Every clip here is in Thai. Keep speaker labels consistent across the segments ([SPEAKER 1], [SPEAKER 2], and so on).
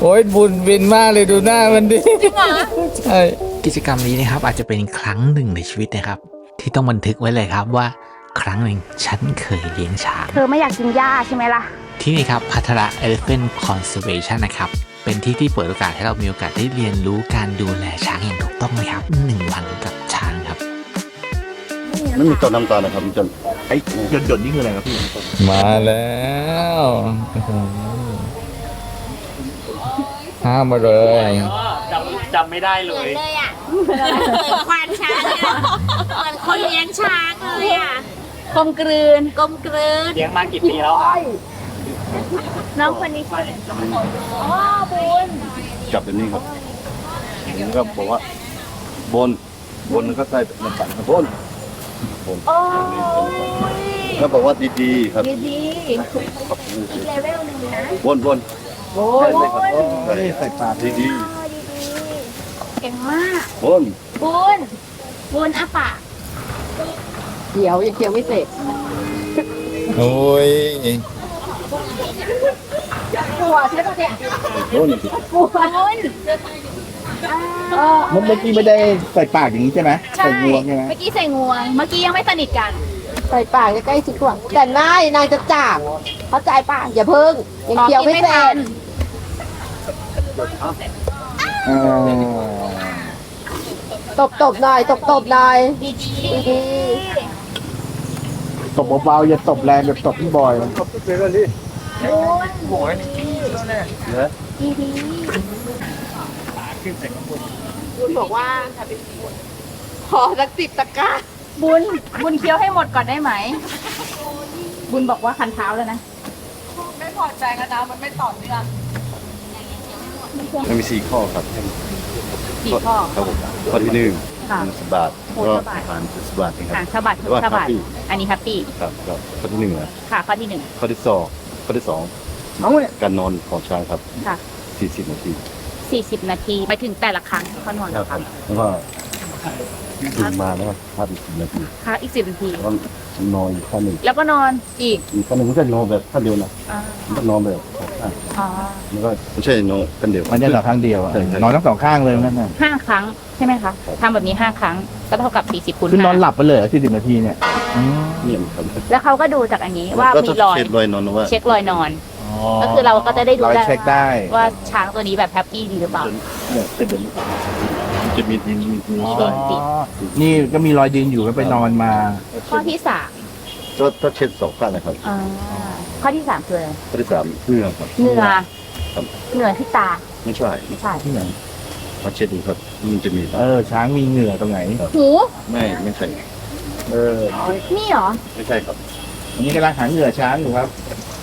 [SPEAKER 1] โอ้ยบุญบินมากเลยดูหน้ามันดิ
[SPEAKER 2] จริงเหรอ
[SPEAKER 1] ใช่
[SPEAKER 3] กิจกรรมนี้นะครับอาจจะเป็นครั้งหนึ่งในชีวิตนะครับ ที่ต้องบันทึกไว้เลยครับว่าครั้งหนึ่งฉันเคยเลี้ยงช้าง
[SPEAKER 2] เธอไม่อยากกินหญ้าใช่ไหมล่ะ
[SPEAKER 3] ที่นี่ครับพัทระ Elephant Conservation นะครับ เป็นที่ที่เปิดโอกาสให้เรามีโอกาสได้เรียนรู้การดูแลช้างอย่างถูกต้องเลยครับ1 วันกับช้างครับ
[SPEAKER 4] ไม่มีตัวน้ำตาลนะครับมันจะ
[SPEAKER 5] ไอ้หยดๆนี่คืออะไรครับพี่
[SPEAKER 1] มาแล้วห้ามมาเลย
[SPEAKER 6] จำไม่ได้เล
[SPEAKER 2] เหมือน
[SPEAKER 6] ย
[SPEAKER 2] เลยอ่ะเหมือนควานช้างอะเหมือนคนเลี้ยงช้างเลยอ่ะกลมกลืนกลมกลืน
[SPEAKER 6] เลี้ยงมากี่ปีแล้วอ่ะ
[SPEAKER 2] น้องคนนี้ชื่ออ๋อบุญ
[SPEAKER 4] จับแบบนี้ครับผมก็บอกว่าบนแล้วก็ใส่น้ำตาลครับบน
[SPEAKER 2] โอ้ย
[SPEAKER 4] แล้วบอกว่าดีๆครับ
[SPEAKER 2] ดีๆอีกเลเวลหนึ่งนะ
[SPEAKER 4] บนใช่เลยครับใส่ปากดี
[SPEAKER 2] ดีเก่งมาก
[SPEAKER 4] ๆบน
[SPEAKER 2] บุญอาปาก
[SPEAKER 7] เดี๋ยวยังเคี้ยวไม่เสร็จ
[SPEAKER 1] โอ้ย
[SPEAKER 2] หัวใช่ปะเนี่ย
[SPEAKER 4] บน
[SPEAKER 2] บุญ
[SPEAKER 5] เมื่อกี้ไม่ได้ใส่ปากอย่างนี้ใช่ไหม
[SPEAKER 2] ใช่
[SPEAKER 5] ใส่งวงใช่ไหม
[SPEAKER 2] เมื่อกี้ใส่งวง เมื่อกี้ยังไม่สนิทกัน
[SPEAKER 7] ใส่ปากใกล้ๆชิดกว่าแต่นายจะจับเข้าใจป่ะอย่าเพิ่งยังเคี้ยวไม่เสร็จ
[SPEAKER 5] เออ
[SPEAKER 7] ตบหน่อยตบหน่อยดี
[SPEAKER 5] ตบเบาๆอย่าตบแรงแบบตบพี่บอย
[SPEAKER 7] คุณบอกว่าขอสัก10 ตะกร้า
[SPEAKER 2] บุญเคี้ยวให้หมดก่อนได้ไหม บุญบอกว่าคันเท้าแล้วนะ
[SPEAKER 7] ไม่พอใจกันนะมันไม่ต่อเนื่อง
[SPEAKER 4] มันมี4 ข้อครับ
[SPEAKER 2] สี่ข้อ
[SPEAKER 4] ครับผมข้อที่หนึ่ง
[SPEAKER 2] ค่ะ
[SPEAKER 4] สบาท
[SPEAKER 2] โอ้
[SPEAKER 4] ก็
[SPEAKER 2] สบาท
[SPEAKER 4] ผ่านสบาทนะครั
[SPEAKER 2] อ่ะ
[SPEAKER 4] บ
[SPEAKER 2] สะบัด
[SPEAKER 4] หรือว่า
[SPEAKER 2] สะบัด
[SPEAKER 4] happy
[SPEAKER 2] อันนี้แฮปปี้
[SPEAKER 4] ครับข้อที่หนึ่งนะ
[SPEAKER 2] ค่ะ ข้อที่หนึ่ง
[SPEAKER 4] ข้อที่สองการนอนของช้างครับ
[SPEAKER 2] ค่ะ
[SPEAKER 4] 40 นาที
[SPEAKER 2] 40 นาทีไปถึงแต่ละครั้งเขานอน
[SPEAKER 4] ครั
[SPEAKER 2] ละ
[SPEAKER 4] บ
[SPEAKER 2] ครั้ง
[SPEAKER 4] แล้วก็ตื่นมาแล้วก็พักอีก10 นาที
[SPEAKER 2] ค่ะอีก10 นาที
[SPEAKER 4] แล้วก็นอนอีกข้อหนึ่ง
[SPEAKER 2] แล้วก็นอนอีก
[SPEAKER 4] อีกข้อหนึ่งไม่ใช่นอนแบบท่าเดียวนะ
[SPEAKER 2] อ่า
[SPEAKER 4] มันก็นอนแบบอ่ะ
[SPEAKER 2] อ๋อ
[SPEAKER 4] มันก็ไม่ใช่นอนกันเดียว
[SPEAKER 5] มันจะต่อข้างเดียวอะ
[SPEAKER 4] ใช่ใช่
[SPEAKER 5] นอนทั้งสองข้างเลยนั่นน่ะ
[SPEAKER 2] 5 ครั้งใช่ไหมคะทำแบบนี้ 5 ครั้ง ก็เท่ากับ40คูณ
[SPEAKER 5] คือนอน
[SPEAKER 2] 5
[SPEAKER 5] หลับไปเลย40 นาทีเนี่ยอืม
[SPEAKER 4] เนี่ยครับ
[SPEAKER 2] แล้วเขาก็ดูจากอันนี้ว่า
[SPEAKER 4] ก็
[SPEAKER 2] มี
[SPEAKER 4] จะ
[SPEAKER 2] รอย
[SPEAKER 4] เช็ดรอยนอนว่า
[SPEAKER 2] เช็ครอยนอน ก็คือเราก็จะได้ดู
[SPEAKER 5] เรา
[SPEAKER 2] ได้
[SPEAKER 5] เช็คได้
[SPEAKER 2] ว่าช้างตัวนี้แบบแฮปปี้ดีหรือเปล่า
[SPEAKER 4] เนี่ยเป็นแบบนี้มันจะมีดินมี
[SPEAKER 5] อ๋อ
[SPEAKER 4] ทราย
[SPEAKER 5] นี่ก็มีรอยดินอยู่ก็ไปนอนมา
[SPEAKER 2] ข้อที่
[SPEAKER 4] ก็เช็ดสองข้างนะครับ
[SPEAKER 2] 3ข้อที่ 3 คืออะไร
[SPEAKER 4] ข้อที่สามเหงื่อครับ
[SPEAKER 2] เหงื่อ
[SPEAKER 4] ครับ
[SPEAKER 2] เหงื่อที่ตา
[SPEAKER 4] ไม่ใช่
[SPEAKER 2] ไม่ใช่
[SPEAKER 5] ที่ไหน
[SPEAKER 4] มาเช็ดดูครับมันจะมี
[SPEAKER 5] ช้างมีเหงื่อตรงไหน
[SPEAKER 2] หู
[SPEAKER 4] ไม่ใช่
[SPEAKER 2] นี่เหรอ
[SPEAKER 4] ไม่ใช่ครับ
[SPEAKER 5] อันนี้กำลังหาเหงื่อช้างอยู่ครับ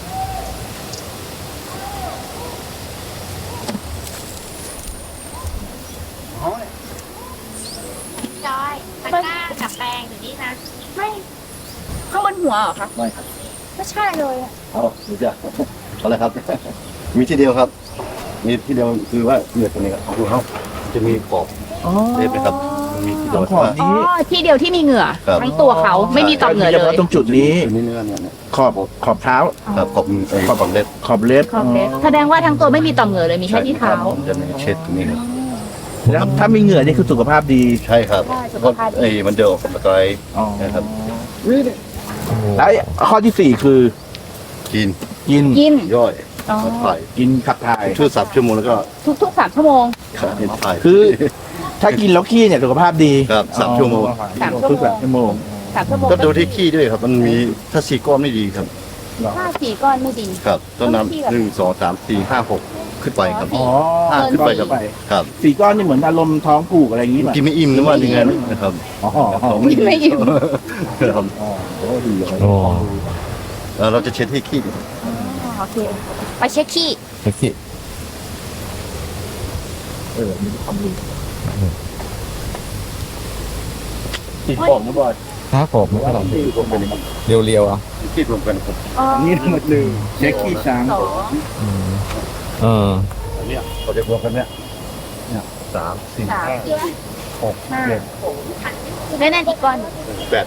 [SPEAKER 2] จอยตะกร้ากับแปรงอยู่นี่นะ ไม่ ข้างบนหัวเหรอคะ
[SPEAKER 4] ไม่ครับ
[SPEAKER 2] ไม่ใช่เลยอะ
[SPEAKER 4] เอาดูจ้ะเอาเลยครับ มีที่เดียวครับ มีที่เดียวคือว่าเหงื่อตัวนี้ครับดูเขาจะมีขอบเล็บนะครับมันมีที่เดียว
[SPEAKER 5] ขอบ
[SPEAKER 4] ว่า
[SPEAKER 5] นี้
[SPEAKER 2] อ๋อ ที่เดียวที่มีเหงื่อ
[SPEAKER 4] ครับ
[SPEAKER 2] ทั้งตัวเขาไม่มีต่อมเหงื่อ
[SPEAKER 5] เฉ
[SPEAKER 2] เล
[SPEAKER 5] พาะ
[SPEAKER 2] ย
[SPEAKER 5] ตรงจุดนี้
[SPEAKER 4] ตัวนี้เนื้อเนี่ย
[SPEAKER 5] ขอบเท้า
[SPEAKER 4] ครับขอบขอบเล็บ
[SPEAKER 5] ขอบเล็บ
[SPEAKER 2] ขอบเล็บแสดงว่าทั้งตัวไม่มีต่อมเหงื่อเลย มีแค่ที่เท้า
[SPEAKER 4] ผมจะเช็ดตรงนี้ครับ
[SPEAKER 5] แล้วถ้ามีเหงื่อนี่คือสุขภาพดี
[SPEAKER 4] ใช่ครับ
[SPEAKER 2] ใช่สุขภาพดี
[SPEAKER 4] มันจะออกกำลังกาย
[SPEAKER 5] อ๋อ
[SPEAKER 4] นะครับ
[SPEAKER 5] แล้วข้อที่ 4 คือ
[SPEAKER 4] กิน
[SPEAKER 5] กิน
[SPEAKER 2] กิน
[SPEAKER 4] ย่อย
[SPEAKER 2] อ๋อ
[SPEAKER 4] ถ่าย
[SPEAKER 5] กินขับถ่าย
[SPEAKER 4] ช่วย3 ชั่วโมงแล้วก็
[SPEAKER 2] ทุกๆ3 ชั่วโมง
[SPEAKER 4] ถ่าย
[SPEAKER 5] คือ ถ้ากินแล้วขี้เนี่ยสุขภาพดี
[SPEAKER 4] ครับ3 ชั่วโมง
[SPEAKER 5] ทุก3 ชั่วโมง
[SPEAKER 2] 3 ชั่วโมง
[SPEAKER 4] ก็ดูที่ขี้ด้วยครับ มันมีถ้า4 ก้อนไม่ดีครับ
[SPEAKER 2] ถ้าสี่ก้อนไม่ดี
[SPEAKER 4] ครับต้น
[SPEAKER 2] ต้องขี้แบบ
[SPEAKER 4] น้ำ1 2 3 4 5 6ขึ้นไปครับ
[SPEAKER 5] อ๋อ
[SPEAKER 4] 5ขึ้นไปครับครับ
[SPEAKER 5] 4 ก้อนนี่เหมือนอารมณ์ท้องผูกอะไรอย่างนี้ป่ะ
[SPEAKER 4] กินไม่อิ่มนะว่าอย่างนั้นนะครับ
[SPEAKER 5] อ๋อ
[SPEAKER 2] กินไม่อิ่ม
[SPEAKER 4] ครับ
[SPEAKER 5] โอ้ดีเลย
[SPEAKER 1] โอ้
[SPEAKER 4] เราจะเช็ดที่ขี้
[SPEAKER 2] อ๋อโอเค ไปเช็คขี้
[SPEAKER 1] เมื่อกี้
[SPEAKER 5] ติดปอกนะบอย
[SPEAKER 1] ครับผมไม่ต้อง
[SPEAKER 4] ขี้รวมกันนะครับ
[SPEAKER 1] เรียวๆอ่ะ
[SPEAKER 4] ขี้รวมกันครับ
[SPEAKER 5] นี่ทั้งหมดเลยเช็คขี้ช้าง
[SPEAKER 2] 2
[SPEAKER 1] เออ
[SPEAKER 4] อันเนี้ยเขาจะรวมกันเนี่ย3 4
[SPEAKER 2] 3
[SPEAKER 4] 5 6
[SPEAKER 2] 5
[SPEAKER 4] 7
[SPEAKER 2] แล้วนั่นอีกก้อน
[SPEAKER 4] 8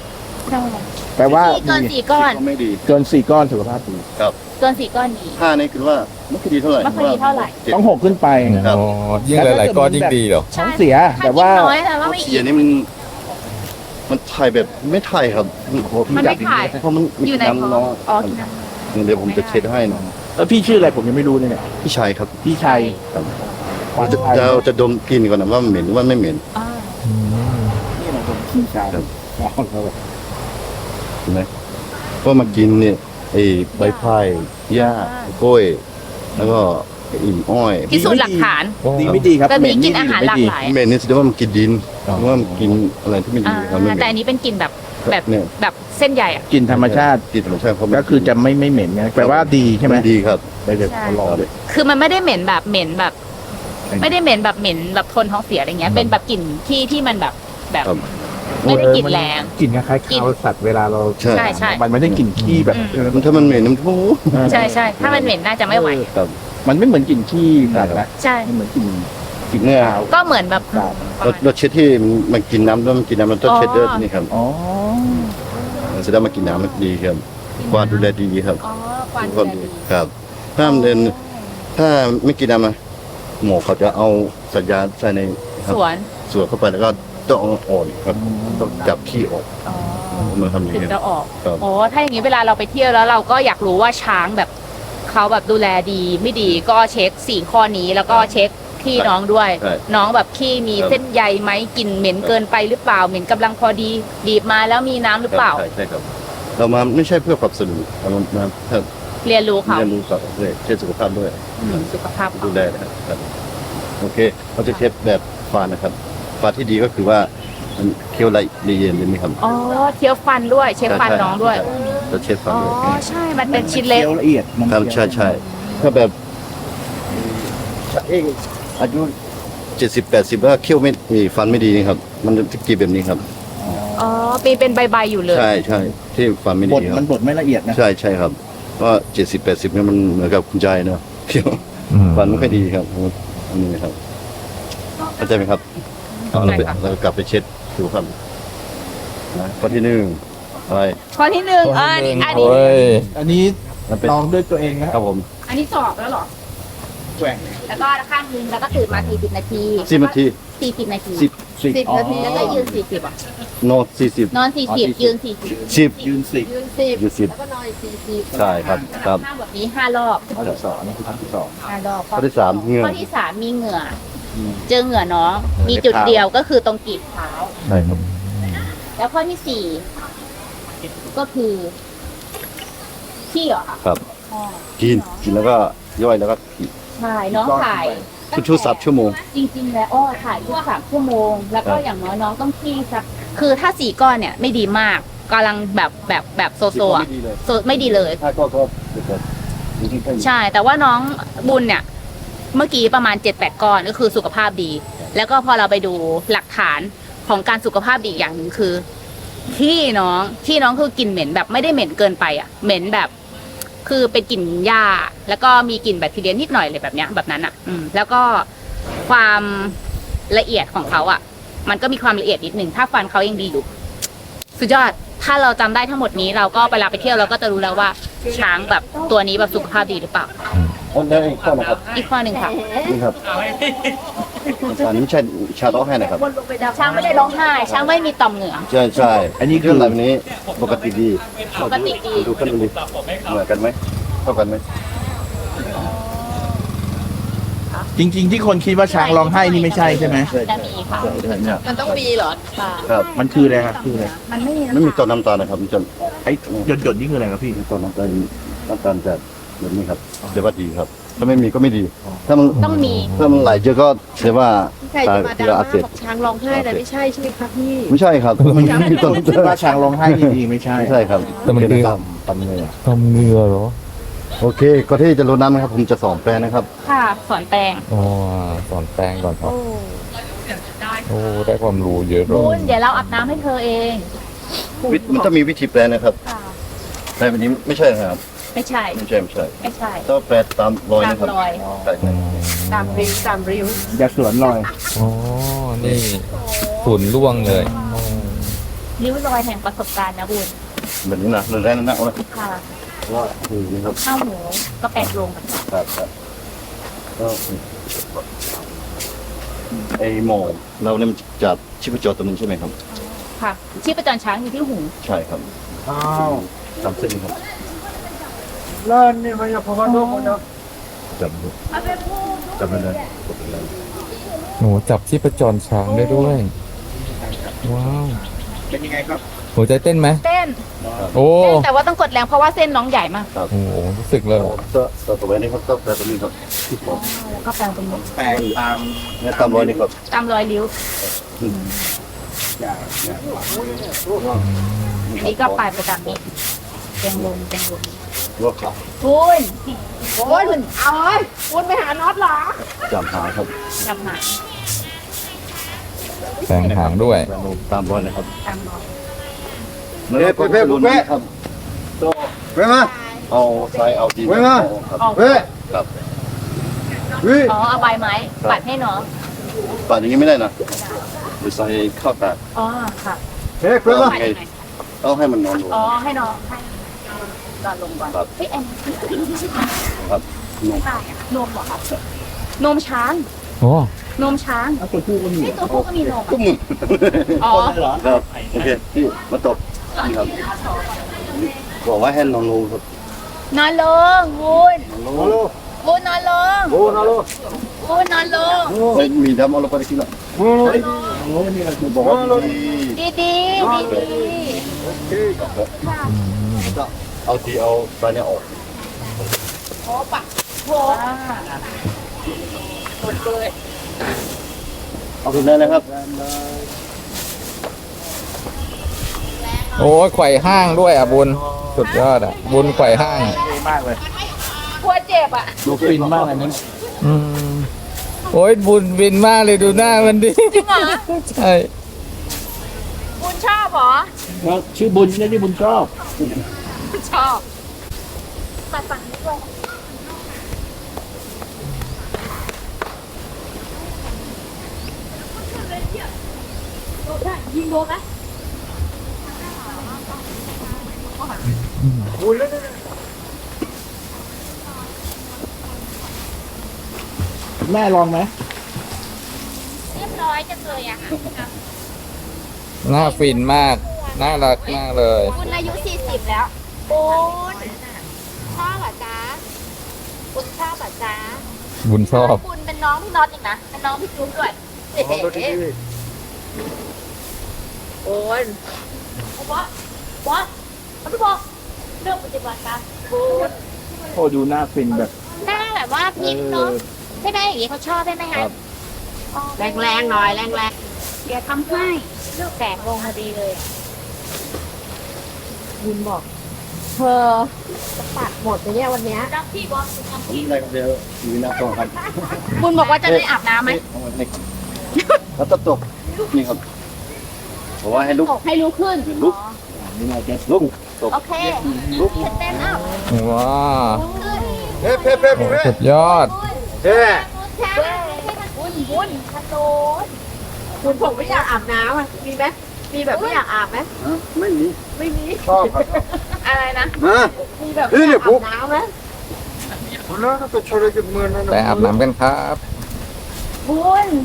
[SPEAKER 5] แปลว่า
[SPEAKER 2] ที่เกิน4ก้อน
[SPEAKER 4] ก็ไม่ดี
[SPEAKER 5] เกิน4 ก้อนสุขภาพดี
[SPEAKER 4] ครับ
[SPEAKER 2] เกิน4ก้อนดี
[SPEAKER 4] 5นี่คือว่าไม่ค่อยดีเท่าไหร่
[SPEAKER 2] ไม่ค่อยดีเท่าไหร่
[SPEAKER 4] 7
[SPEAKER 5] ต้อง6ขึ้นไป
[SPEAKER 4] ครับ
[SPEAKER 1] อ๋อยิ่งหลายๆก้อนยิ่งดีเหรอ
[SPEAKER 5] ท้องเสีย
[SPEAKER 2] ถ้า
[SPEAKER 5] แต่
[SPEAKER 2] กิน
[SPEAKER 5] ว่า
[SPEAKER 2] น้อยแต่ว่าไม่
[SPEAKER 4] เสี
[SPEAKER 2] อิ่
[SPEAKER 4] ย
[SPEAKER 2] ม
[SPEAKER 4] นี่มันถ่ายแบบไม่ถ่ายครับโอ้โหพี่
[SPEAKER 2] มันไม่ถ่าย
[SPEAKER 4] เพราะมัน
[SPEAKER 2] อยู่ใน
[SPEAKER 4] น้ำ
[SPEAKER 2] ท้
[SPEAKER 4] น้
[SPEAKER 2] อ
[SPEAKER 4] อง
[SPEAKER 2] อ๋อกินน้ำ
[SPEAKER 4] เดี๋ยวผมจะเช็ดให้นะ
[SPEAKER 5] แล้วพี่ชื่ออะไรผมยังไม่รู้เลยเนี่ย
[SPEAKER 4] พี่ชายครับ
[SPEAKER 5] พี่ชัย
[SPEAKER 4] จะดมกลินก่อนนะว่าเหม็นหรือว่าไม่เหม็น
[SPEAKER 2] อ่า
[SPEAKER 5] นี่แหละผมพี่ชัย
[SPEAKER 4] ครับ
[SPEAKER 5] อ๋อครับ
[SPEAKER 4] เห็นไหมก็มากินเนี่ยไอ้ใบพายหญ้า กล้วย แล้วก็อิ่มอ้อย
[SPEAKER 2] พิสูจน์หลักฐาน
[SPEAKER 5] ดีไม่ดีครับ
[SPEAKER 2] แต่
[SPEAKER 5] เหม็
[SPEAKER 2] นี้
[SPEAKER 5] น
[SPEAKER 2] กิ
[SPEAKER 5] นี่
[SPEAKER 2] น
[SPEAKER 5] ดี
[SPEAKER 2] อา
[SPEAKER 5] ห
[SPEAKER 2] หาร
[SPEAKER 5] รือ
[SPEAKER 2] หลาก
[SPEAKER 5] ไม่ดี
[SPEAKER 2] หลาย
[SPEAKER 4] เหม็นนี่แสดงว่ามันกินดิน
[SPEAKER 5] อ๋อ
[SPEAKER 4] หรือว่ามันกินอะไรที่ไม่ดีครับไม่เหม็น
[SPEAKER 2] แต่อันนี้เป็นกลิ่นแบบแบบ
[SPEAKER 4] เนี่ย
[SPEAKER 2] แบบเส้นใหญ่อะ
[SPEAKER 5] กลิ่นธรรมชาติ
[SPEAKER 4] กินธรรมชาติเขาไม่
[SPEAKER 5] ก็คือจะไม่เหม็นไงแปลว่าดีใช่ไหม
[SPEAKER 4] นดีครับ
[SPEAKER 5] ได้เลย
[SPEAKER 2] ใช่
[SPEAKER 5] รอเลย
[SPEAKER 2] คือมันไม่ได้เหม็นแบบเหม็นแบบ ไม่ได้เหม็นแบบเหม็นแบบทนท้องเสียอะไรเงี้ย เป็นแบบกลิ่นที่มันแบบแบบ
[SPEAKER 4] ครับ
[SPEAKER 2] ไม่ได้กลิ่นแรง
[SPEAKER 5] กลิ่นคล้ายๆ
[SPEAKER 2] กลิ่น
[SPEAKER 5] ข้าวสัตว์เวลาเรา
[SPEAKER 4] ใช่
[SPEAKER 2] ใช่ใช่
[SPEAKER 5] มันไม่ได้กลิ่นขี้แบบ
[SPEAKER 4] มันถ้ามันเหม็นมันโอ้
[SPEAKER 2] ใช่ใช่ถ้ามันเหม็นน่าจะไม่ไหว
[SPEAKER 4] ครับ
[SPEAKER 5] มันไม่เหมือนกลิ่นขี้สัตว์นะ
[SPEAKER 2] ใช่
[SPEAKER 5] มันเหมือนกลิ่น
[SPEAKER 4] เนี่ย
[SPEAKER 5] ขาว
[SPEAKER 2] ก็เหมือนแบบ
[SPEAKER 4] เราเช็ดที่มันกินน้ำแล้วมันกินน้ำมันต้องเช็ดด้วยนี่ครับ
[SPEAKER 5] อ๋อ
[SPEAKER 4] แสดงมากินน้ำมันดีครับกวาดดูแลดีครับ
[SPEAKER 2] อ๋อควัน
[SPEAKER 4] ทุกคนดีครับถ้ามันเดินถ้าไม่กินน้ำนะหมอเขาจะเอาสัญญาณใส่ในครับ
[SPEAKER 2] สวน
[SPEAKER 4] สวดเข้าไปแล้วก็ต้องเอาอ่อนครับต้องจับขี้ออก
[SPEAKER 2] อ๋อ
[SPEAKER 4] มาทำอย่าง
[SPEAKER 2] ถึง
[SPEAKER 4] นี้
[SPEAKER 2] จะออก
[SPEAKER 4] ครับ
[SPEAKER 2] โอ้ถ้าอย่างนี้เวลาเราไปเที่ยวแล้วเราก็อยากรู้ว่าช้างแบบเขาแบบดูแลดีไม่ดีก็เช็ค4ข้อนี้แล้วก็เช็คขี้น้องด้วย
[SPEAKER 4] ใช่
[SPEAKER 2] น้องแบบขี้มี
[SPEAKER 4] ครับ
[SPEAKER 2] เส้นใยไหมกลิ่นเหม็นเกินไปหรือเปล่าเหม็นกำลังพอดีบีบมาแล้วมีน้ำหรือเปล่า
[SPEAKER 4] ใช่ใช่ครับ เรามาไม่ใช่เพื่อปรับสนุนเรามาเพื่อ
[SPEAKER 2] เรียนรู้เขา
[SPEAKER 4] เรียนรู้กับเลยเช็ดสุขภาพด้วย
[SPEAKER 2] สุขภาพ
[SPEAKER 4] ดู
[SPEAKER 2] เขา
[SPEAKER 4] แลนะครับโอเคเราจะเช็ดแบบฟานนะครับฟานที่ดีก็คือว่ามันเคี้ยวละเอียดเลยไหมครับ
[SPEAKER 2] อ๋อเคี้ยวฟันด้วยเช็คฟันน้องด้วย
[SPEAKER 4] จะเช็ดฟัน
[SPEAKER 2] อ๋อ
[SPEAKER 4] ด้วย
[SPEAKER 2] ใช่ มันเป็นชิ้นเล็ก
[SPEAKER 5] เคี้ยวละเอียดมัน
[SPEAKER 4] ครับใช่ใช่ถ้าแบบอายุ70-80แล้วเคี้ยวไม่มีฟันไม่ดีนี่ครับ มันจะกรีบแบบนี้ครับ
[SPEAKER 2] อ๋อเป็นใบๆอยู่เลย
[SPEAKER 4] ใช่ใช่ที่ฟันไม่
[SPEAKER 5] บ
[SPEAKER 4] ดี
[SPEAKER 5] ด
[SPEAKER 4] ค
[SPEAKER 5] มั
[SPEAKER 4] รั
[SPEAKER 5] น
[SPEAKER 4] บบ
[SPEAKER 5] ดไม่ละเอียดนะ
[SPEAKER 4] ใช่ใช่ครับเพราะ70-80เนี่ยมันเหมือนกับคุณยายเนาะเคี้ยว
[SPEAKER 1] อืม
[SPEAKER 4] ฟันไม่ค่อยดีครับอันนี้ครับเข้าใจไหมครับ
[SPEAKER 2] เข้าใจค่ะ
[SPEAKER 4] เรากลับไปเช็ดดูครับนะข้อที่หนึ่งอะไร
[SPEAKER 2] ข้อที่หนึ่งอันนี้
[SPEAKER 1] โอ้ย
[SPEAKER 5] อันนี้
[SPEAKER 4] มันเป็น
[SPEAKER 5] ลองด้วยตัวเองนะครับ
[SPEAKER 4] ผม
[SPEAKER 2] อันนี้สอบแล้วเหรอ
[SPEAKER 5] แกว่ง
[SPEAKER 2] แล้วก็ข้างนึงแล้วก็ตื่นมา40 นาที
[SPEAKER 4] 10 นาที
[SPEAKER 2] 40 นาที
[SPEAKER 4] 10
[SPEAKER 7] 10 นาที
[SPEAKER 2] แล้วก็ยืน40อ่ะ
[SPEAKER 4] โน40
[SPEAKER 2] นอน40ยืน40
[SPEAKER 4] 10
[SPEAKER 5] ยืนสิ
[SPEAKER 7] ยืน10
[SPEAKER 4] อยู่10
[SPEAKER 7] แล้วก็นอนอีก40
[SPEAKER 4] ใช่ครับครับ
[SPEAKER 2] ห้าแบบนี้5 รอบ
[SPEAKER 5] ข้อที่สองนี่คือข้อที่สอง
[SPEAKER 2] 5 รอบ
[SPEAKER 4] ข้อที่3เหงื่อ
[SPEAKER 2] ข้อที่3มีเหงื่ออเจอเหงื่อน้องมีจุดเดียวก็คือตรงกีบเท้า
[SPEAKER 4] ใช่ครับ
[SPEAKER 2] แล้วข้อที่4ก็คือขี้เหรอคะ
[SPEAKER 4] ครับ
[SPEAKER 2] อ๋อ
[SPEAKER 4] กินแล้วก็ย่อยแล้วก็ขี่
[SPEAKER 2] ใช่น้องถ่าย
[SPEAKER 4] ชุด3ชั่วโมง
[SPEAKER 2] จริงๆแล้วถ่ายทุก3 ชั่วโมง แล้วก็อย่างน้อยน้องต้องขี้สักคือถ้า4 ก้อนเนี่ยไม่ดีมากกำลังแบบโซโซอะ
[SPEAKER 4] ไม่ดีเลย
[SPEAKER 2] ไม่ดีเลย
[SPEAKER 4] ถ้าก็เดี๋ยวจริงๆแค่นี้
[SPEAKER 2] ใช่ แต่ว่าน้องบุญเนี่ย เมื่อกี้ประมาณ 7-8 ก้อนก็คือสุขภาพดี แล้วก็พอเราไปดูหลักฐานของการสุขภาพดีอีกอย่างหนึ่งคือที่น้องคือกลิ่นเหม็นแบบไม่ได้เหม็นเกินไปอ่ะเหม็นแบบ คือเป็นกลิ่นหญ้าแล้วก็มีกลิ่นแบคทีเรียนิดหน่อยเลยแบบเนี้ยแบบนั้นอ่ะ แล้วก็ความละเอียดของเขาอ่ะ มันก็มีความละเอียดนิดหนึ่งถ้าฟันเขายังดีอยู่สุดยอดถ้าเราจำได้ทั้งหมดนี้เราก็เวลาไปเที่ยวเราก็จะรู้แล้วว่าช้างแบบตัวนี้แบบสุขภาพดีหรือเปล่า
[SPEAKER 4] แล้วอีกข้อนะครับ
[SPEAKER 2] อีกข้อหนึ่งค่ะ
[SPEAKER 4] นี่ครับอันนี้ไม่ใช่ชาโต้ให้นะครับ
[SPEAKER 2] ช้างไม่ได้ร้องไห้ช้างไม่มีต่อมเหงื่อ
[SPEAKER 4] ใช่ใช่
[SPEAKER 5] อันนี้คือ
[SPEAKER 4] เรื่องแบบนี้ปกติดี
[SPEAKER 2] ปกติดี
[SPEAKER 4] ดูขึ้นดูดิเหมือนกันไหมเท่ากันไหม
[SPEAKER 5] จริง ๆ ที่คนคิดว่าช้างร้องไห้นี่ไม่ใช่ใช่ไหม
[SPEAKER 2] จะมีค่ะ
[SPEAKER 4] ใช่เนี่ย
[SPEAKER 7] มันต้องมีเหรอ
[SPEAKER 4] ครับ
[SPEAKER 5] มันคืออะไรครับคืออะไร
[SPEAKER 2] มันไม่มี
[SPEAKER 4] ไม่มีตัวน้ำตาลนะครับมันจะ
[SPEAKER 5] ไอ้หยดๆนี่คืออะไรครับพี่
[SPEAKER 4] มีตัวน้ำตาลจะแบบนี้ครับเดี๋ยวว่าดีครับ ถ้าไม่มีก็ไม่ดี ถ้ามัน
[SPEAKER 2] ต้องมี
[SPEAKER 4] ถ้ามันไหลเยอะก็แสดงว่า
[SPEAKER 7] ใคร
[SPEAKER 4] ตา
[SPEAKER 7] จะมา
[SPEAKER 4] เกลื
[SPEAKER 7] ดรา
[SPEAKER 4] ออั
[SPEAKER 7] ม่าก
[SPEAKER 4] เสบ
[SPEAKER 7] บอกช้างร้องไห้แต่ไม่ใช่ใช่ไหมครับพี่
[SPEAKER 4] ไม่ใช่ครับมันไม่มีตัวน้ำ
[SPEAKER 5] คิด
[SPEAKER 4] ตาล
[SPEAKER 5] ว่าช้างร้องไห้จริงๆไม่ใช่
[SPEAKER 4] ไม่ใช่ครับ
[SPEAKER 1] แต่มันคือ
[SPEAKER 4] ตำเลย
[SPEAKER 1] ทำเหงื่อเหรอ
[SPEAKER 4] โอเคก็ที่จะลดน้ำนะครับ ผมจะสอนแปลนะครับ
[SPEAKER 2] ค่ะสอนแปลง
[SPEAKER 1] อ๋อสอนแป้งก่อนครับโอ้ได้ความรู้เยอะเล
[SPEAKER 2] คุ
[SPEAKER 1] ย
[SPEAKER 2] ณเดี๋ยวเราอาบน้ำให้เธอเอง
[SPEAKER 4] มันต้องมีวิธีแปลนะครับ
[SPEAKER 2] ค่ะ
[SPEAKER 4] แปลแบบนี้ไม่ใช่ครับ
[SPEAKER 2] ไม่ใช่
[SPEAKER 4] ไม่ใช่ไม่ใช่
[SPEAKER 2] ไม่ใช่
[SPEAKER 4] ต้องแปลตามรอยนะครับ
[SPEAKER 2] ตามรอย
[SPEAKER 4] ใช่
[SPEAKER 1] อืม
[SPEAKER 7] ตามริ้วตามริ้ว
[SPEAKER 5] อย่าสวนลอย
[SPEAKER 1] อ๋อ นี่ฝุ่นร่วงเลย
[SPEAKER 2] ริ้วรอยแห่งประสบการณ์นะบุญ
[SPEAKER 4] แบบนี้นะเรื่องแรกนั่นนะเอาละ
[SPEAKER 2] ค่ะ
[SPEAKER 4] ว่าคือนี่ครับ
[SPEAKER 2] ข้าวหมูก็แปดโลเหมือนกัน
[SPEAKER 4] ครับก็ไอหมอเราเนี่ยมันจับชีพจรตัวนึงใช่ไหมครับ
[SPEAKER 2] ค่ะชีพจรช้างอยู่ที่หู
[SPEAKER 4] ใช่ครับ
[SPEAKER 5] อ้าว
[SPEAKER 4] จำเส้นครับ
[SPEAKER 5] เลินนี่มันจะพอกันทุกคนเนาะ
[SPEAKER 4] จำไม่ได้
[SPEAKER 1] หนูจับชีพจรช้างได้ด้วย ว้าว
[SPEAKER 5] เป็นยังไงครับ
[SPEAKER 1] หัวใจเต้นไหม
[SPEAKER 2] เต้น
[SPEAKER 1] โอ้
[SPEAKER 2] เต้นแต่ว่าต้องกดแรงเพราะว่าเส้นน้องใหญ่มาก
[SPEAKER 1] โหรู้สึกเลย
[SPEAKER 4] ตัวไว้นี่ครับตัวตัวนี้ครับที่ผม
[SPEAKER 2] แล้วก็แปลงเป็นมุก
[SPEAKER 5] แปลงตาม
[SPEAKER 4] เนี่ยตามรอยนี่ครับ
[SPEAKER 2] ตามรอยริ้ว
[SPEAKER 5] อย่าง
[SPEAKER 2] อันนี้ก็ปลายประจำนี้แตงลม
[SPEAKER 4] ว่าขา
[SPEAKER 2] บุญ
[SPEAKER 7] โอ้ยเอาเอ้ยคุณไปหาน็อตเหรอ
[SPEAKER 4] จำหาครับ
[SPEAKER 2] จับหาง
[SPEAKER 1] แสงหางด้วย
[SPEAKER 4] ตามรอยนะครับ
[SPEAKER 2] ตามรอย
[SPEAKER 4] แล้วก็รุนครับเว้ยมาเอาทรายเอาดินครับ
[SPEAKER 2] ออก
[SPEAKER 4] ครับ
[SPEAKER 2] อ๋อเอาใบไม้ปัดให้น้อง
[SPEAKER 4] ป่านอย่างนี้ไม่ได้นะหรือใส่ข้าวตาก
[SPEAKER 2] อ๋อค่ะ
[SPEAKER 4] ต้อง
[SPEAKER 2] ปัด
[SPEAKER 4] ให้
[SPEAKER 2] ยังไง
[SPEAKER 4] ต้องให้มันนอนลง
[SPEAKER 2] อ๋อให้น้องให้นอนลงก่อน
[SPEAKER 4] ครับ
[SPEAKER 2] เฮ้ยแอน
[SPEAKER 4] ครับนม
[SPEAKER 2] ได้อะนมเหรอครับนมช้าง
[SPEAKER 1] โอ้
[SPEAKER 2] นมช้าง
[SPEAKER 5] ตัวผู้ก็มี
[SPEAKER 2] นี่ตัวผู้ก็มีนม
[SPEAKER 4] ตุ้
[SPEAKER 2] อะ
[SPEAKER 4] ม
[SPEAKER 2] อ๋อ
[SPEAKER 4] ครับโอเคพี่มาตบนี่ครับบอกว่าให้นอนลงครับ
[SPEAKER 2] นอนลงวุ้น
[SPEAKER 4] นอนลง
[SPEAKER 2] วุ้นนอนลง
[SPEAKER 4] โอ้นอนลง
[SPEAKER 2] วุ้นนอนลง
[SPEAKER 4] มีดำเอาลงไปกินละบอกว่าดี
[SPEAKER 2] ดีดีดีดี
[SPEAKER 4] เอาทีเอาตอนนี้ออก
[SPEAKER 2] โอ้ปะโหหมดเลย
[SPEAKER 4] เอาถึงได้นะครับ
[SPEAKER 1] โอ้ยไขว่ห้างด้วยอ่ะบุญสุดยอดอ่ะ บุญไขว่ห้าง
[SPEAKER 5] ดีมากเลย
[SPEAKER 2] กลัวเจ็บอ่ะ
[SPEAKER 5] ดูฟินมากเลยนะ
[SPEAKER 1] อืมโอ้ยบุญบินมากเลยดูหน้ามันดิ
[SPEAKER 2] จริงเหรอ
[SPEAKER 1] ใช่
[SPEAKER 2] บุญชอบเหรอ
[SPEAKER 5] แล้วชื่อบุญนี่ที่บุญชอบ
[SPEAKER 2] ชอบปัดฝั่งนี้ด้วยยิงโดนไหม
[SPEAKER 5] แม่ลองไหม
[SPEAKER 2] เรียบร้อยจังเลยอะค่ะ
[SPEAKER 1] หน้าฟินมาก น่ารักมากเลย
[SPEAKER 2] บุญอายุ40แล้วบุญชอบเหรอจ๊ะบุญชอบเหรอจ๊ะ
[SPEAKER 1] บุญชอบ
[SPEAKER 2] บุญเป็นน้องพี่น็อตอีกนะเป็นน้องพี่จุ๊บด้วยเอ๊ะโอ้ยบอสพี่บอกเรื่องปฏิบัติการบุญ
[SPEAKER 5] โอ้ดูหน้าฟินแบบ
[SPEAKER 2] หน้าแบบว่าพิมพ์เนาะใช่ไหมอย่างนี้เขาชอบได้ไหมคะ
[SPEAKER 7] แรงๆหน่อยแรง
[SPEAKER 2] เดี๋ยวทำให้แสงลงพอดีเลย
[SPEAKER 7] ๆบุญบอกเธอจะปัดหมดเลยเนี่ยวันเนี้ย
[SPEAKER 2] รับพี่บอส
[SPEAKER 4] อะไรครับเดี๋ยวมีหน้าต้องครับ
[SPEAKER 2] บุญบอกว่าจะได้อาบน้ำไหม
[SPEAKER 4] แล้วตบนี่ครับบอกว่าให้ลุก
[SPEAKER 2] ตกให้รู้ขึ้น
[SPEAKER 4] ลุกลุกตบ
[SPEAKER 2] โอเคเต้นอัพ
[SPEAKER 1] ว้า
[SPEAKER 4] เฮ้เพ่เพ่
[SPEAKER 1] โอ้สุดยอด
[SPEAKER 4] เฮ้
[SPEAKER 2] บุญกระโดด
[SPEAKER 7] คุณผมไม่อยากอาบน้ำอ่ะมีไหมมีแบบไม่อยากอาบไหม
[SPEAKER 4] ไม่มี
[SPEAKER 7] ไม่มี
[SPEAKER 4] ชอบครับ
[SPEAKER 2] อะไรนะ
[SPEAKER 4] มา
[SPEAKER 7] มีแบบไม่อยากอาบน้ำไหม
[SPEAKER 1] ไปอาบน้ำกันครับ
[SPEAKER 2] บุญ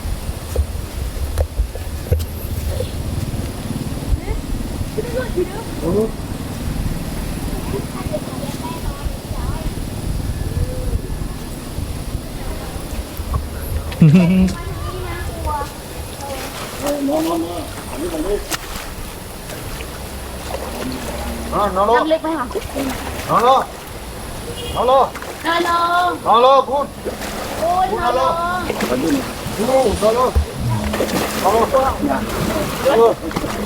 [SPEAKER 4] นอนลง
[SPEAKER 2] ทำเล็กไหมคะ
[SPEAKER 4] นอนลงนอนลง
[SPEAKER 2] นอนลง
[SPEAKER 4] นอนลงพูด
[SPEAKER 2] บุญนอนลง
[SPEAKER 4] นอนลงนอนลงนอนลงนอนลง
[SPEAKER 2] บุญนอนลง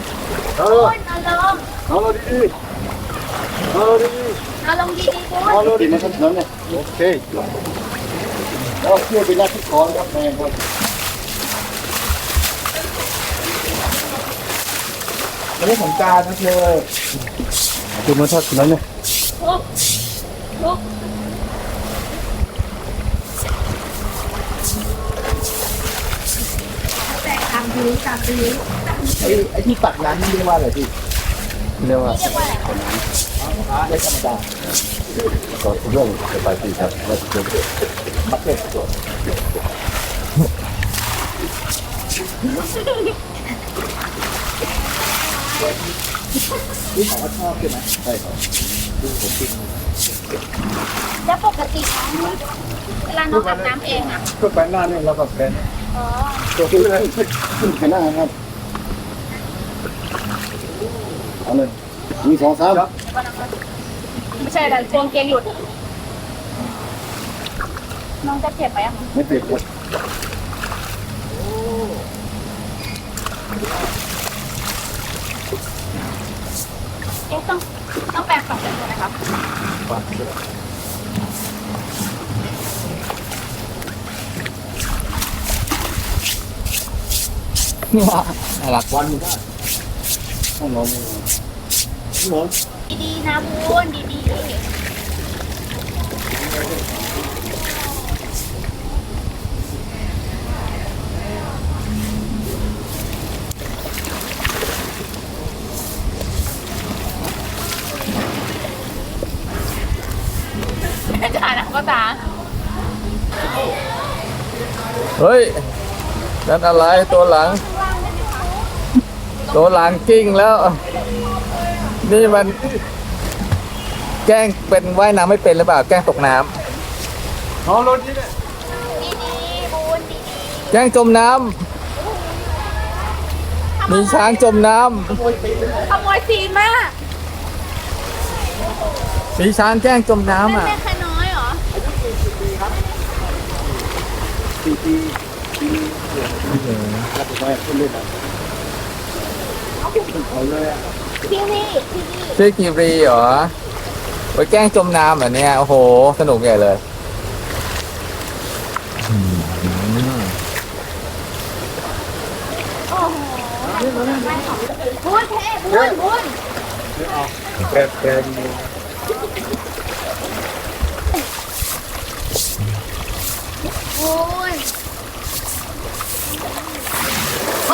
[SPEAKER 4] นอนลงดีๆนอนลงดีๆ
[SPEAKER 2] นอนลงดีๆบุญ
[SPEAKER 4] เอาเลยดีมาทั้งนั้นเลยโอเคแล้วเชื่อไปนักที่คอนครับแม่ครับ
[SPEAKER 5] ไม่ได้สงการนะเธอ
[SPEAKER 4] คุณมาทักนั้นเนี่ย
[SPEAKER 2] ลุกลุกทำดีทำดี
[SPEAKER 5] ไอ้ที่ตักน้ำนี่เรียกว่าอะไรพี่
[SPEAKER 1] เรียกว่า
[SPEAKER 5] ไม่ธรรมดา
[SPEAKER 4] ก็เรื่องไปที่ครับแล้วก็
[SPEAKER 5] บักเก็ตนี่ของว่าชอบใช่ไหม
[SPEAKER 4] ใช่ครับ
[SPEAKER 2] แล้วปกติเวลาน้องอาบน้ำเองอ่ะ
[SPEAKER 5] ก็แปลงหน้าเนี่ยเราก็เป็น
[SPEAKER 2] อ๋อ
[SPEAKER 5] ตัวที่เลย
[SPEAKER 4] ขึ้นไปหน้าครับเอาเลยมี2 3
[SPEAKER 2] ไม่ใช่แต่กวงเกงหลุดน้องจะเจ็บไหมอ่ะ
[SPEAKER 4] ไม่ติดครับ
[SPEAKER 2] เอ๊ะต้องแปรงฝันกันใช่ไหมครับ
[SPEAKER 1] น่ารัก
[SPEAKER 4] วันได้ต้องลองลอง
[SPEAKER 2] ดีๆนะบุญดีๆจะอ่านอ่ะก็ตา
[SPEAKER 1] เฮ้ยนั่นอะไรตัวหลัง ตัวหลังกิ้งแล้ว นี่มัน แกล้งเป็นว่ายน้ำไม่เป็นหรือเปล่าแกล้งตกน้ำ
[SPEAKER 5] อ๋อรถนี่เนี่ย
[SPEAKER 2] ดีๆบุญดี
[SPEAKER 1] แกล้งจมน้ำมีช้างจมน้
[SPEAKER 2] ๆขโมยซีนมาก
[SPEAKER 1] ำมีช้างแกล้งจมน้ำอ่ะ
[SPEAKER 2] แม่แค่น้อยเหรอ
[SPEAKER 4] ปีแล้วก็ไปขึ้นเล่นอ่ะเอาเลยอ่ะ
[SPEAKER 2] ที่นี่
[SPEAKER 1] ชื่อกีรีเหรอไปแกล้งจมน้ำเหรอเนี่ยโอ้โหสนุกใหญ่เลย
[SPEAKER 2] โอ้โหบุญเท่บุญ
[SPEAKER 4] แก
[SPEAKER 2] บุญโอ้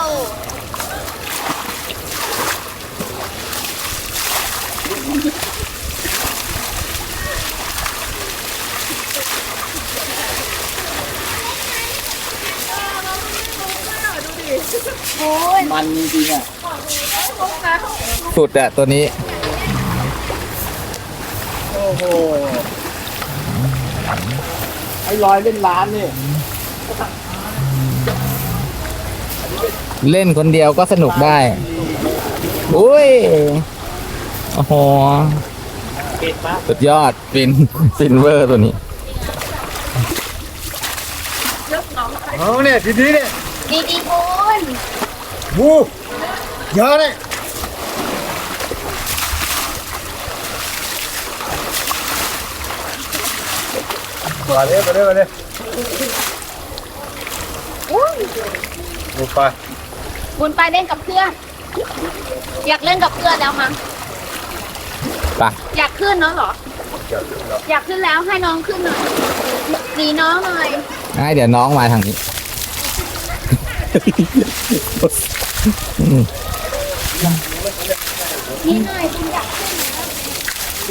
[SPEAKER 5] มันจริงๆอ่ะ
[SPEAKER 1] สุดอะตัวนี้
[SPEAKER 5] โอ้โหไอ้ลอยเล่นร้านนี่
[SPEAKER 1] เล่นคนเดียวก็สนุกได้อุ้ยโอ้โหสุดยอดฟินเวอร์ตัวนี้
[SPEAKER 5] เอาเนี่ยทีนี้เนี่ย
[SPEAKER 2] ดีๆบุญ
[SPEAKER 5] บูเยอะเลยมาเลยดูไป
[SPEAKER 2] บุญไปเล่นกับเพื่อน อยากเล่นกับเพื่อนแล้วมั้ง
[SPEAKER 1] ไป
[SPEAKER 2] อยากขึ้นเนาะเหรอ อยากขึ้นแล้วให้น้องขึ้นหน่อยดีน้องหน่อย
[SPEAKER 1] ให้เดี๋ยวน้องมาทางนี้
[SPEAKER 2] นี่หน่อยบุญอยากขึ้น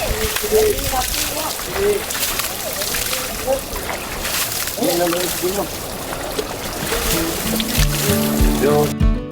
[SPEAKER 4] เดี๋ยว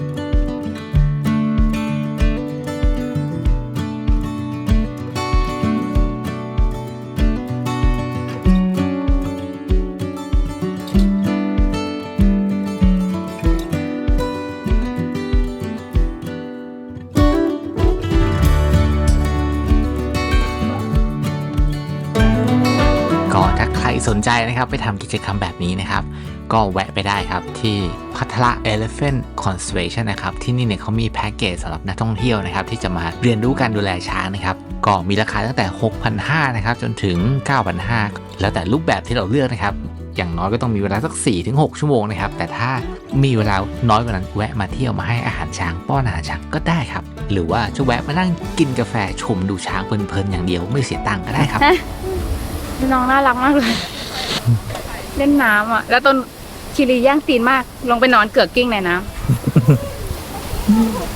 [SPEAKER 3] ก็ถ้าใครสนใจนะครับไปทำกิจกรรมแบบนี้นะครับ ก็แวะไปได้ครับที่พัทละ Elephant Conservation นะครับที่นี่เนี่ยเขามีแพ็กเกจสำหรับนักท่องเที่ยวนะครับที่จะมาเรียนรู้การดูแลช้างนะครับก็มีราคาตั้งแต่ 6,500 นะครับจนถึง 9,500 แล้วแต่รูปแบบที่เราเลือกนะครับอย่างน้อยก็ต้องมีเวลาสัก 4-6 ชั่วโมงนะครับแต่ถ้ามีเวลาน้อยกว่านั้นแวะมาเที่ยวมาให้อาหารช้างป้อนอาหารช้างก็ได้ครับหรือว่าจะแวะมานั่งกินกาแฟชมดูช้างเพลินๆอย่างเดียวไม่เสียตังค์ก็ได้ครับ
[SPEAKER 2] น้องน่ารักมากเลย เล่นน้ำอ่ะ แล้วต้นคิริย่างตีนมาก ลงไปนอนเกือกกิ้งในน้ำอืม